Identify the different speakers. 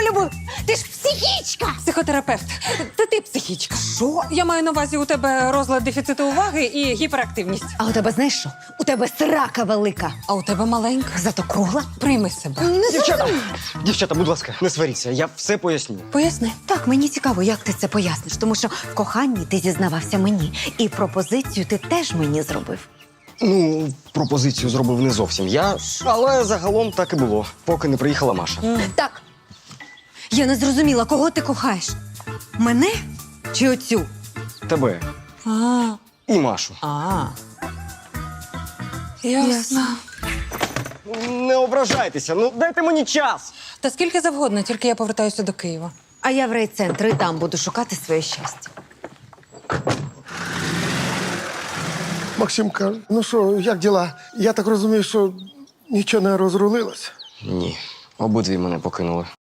Speaker 1: полюбив? Ти ж психічка!
Speaker 2: Психотерапевт. Це ти психічка.
Speaker 1: Що?
Speaker 2: Я маю на увазі, у тебе розлад дефіциту уваги і гіперактивність.
Speaker 1: А у тебе знаєш що? У тебе срака велика.
Speaker 2: А у тебе маленька.
Speaker 1: Зато кругла.
Speaker 2: Прийми себе.
Speaker 3: Дівчата, будь ласка, не сваріться, я все поясню.
Speaker 2: Поясни.
Speaker 1: Так, мені цікаво, як ти це поясниш, тому що в коханні ти зізнавався мені, і пропозицію ти теж мені зробив.
Speaker 3: Ну, пропозицію зробив не зовсім я, але загалом так і було, поки не приїхала Маша.
Speaker 1: Так. Я не зрозуміла, кого ти кохаєш? Мене чи оцю?
Speaker 3: Тебе
Speaker 2: А.
Speaker 3: і Машу.
Speaker 2: Ясно.
Speaker 3: Не ображайтеся, ну дайте мені час.
Speaker 2: Та скільки завгодно, тільки я повертаюся до Києва.
Speaker 1: А я в райцентр і там буду шукати своє щастя.
Speaker 4: Максимка, ну що, як діла? Я так розумію, що нічого не розрулилось.
Speaker 3: Ні, обидві мене покинули.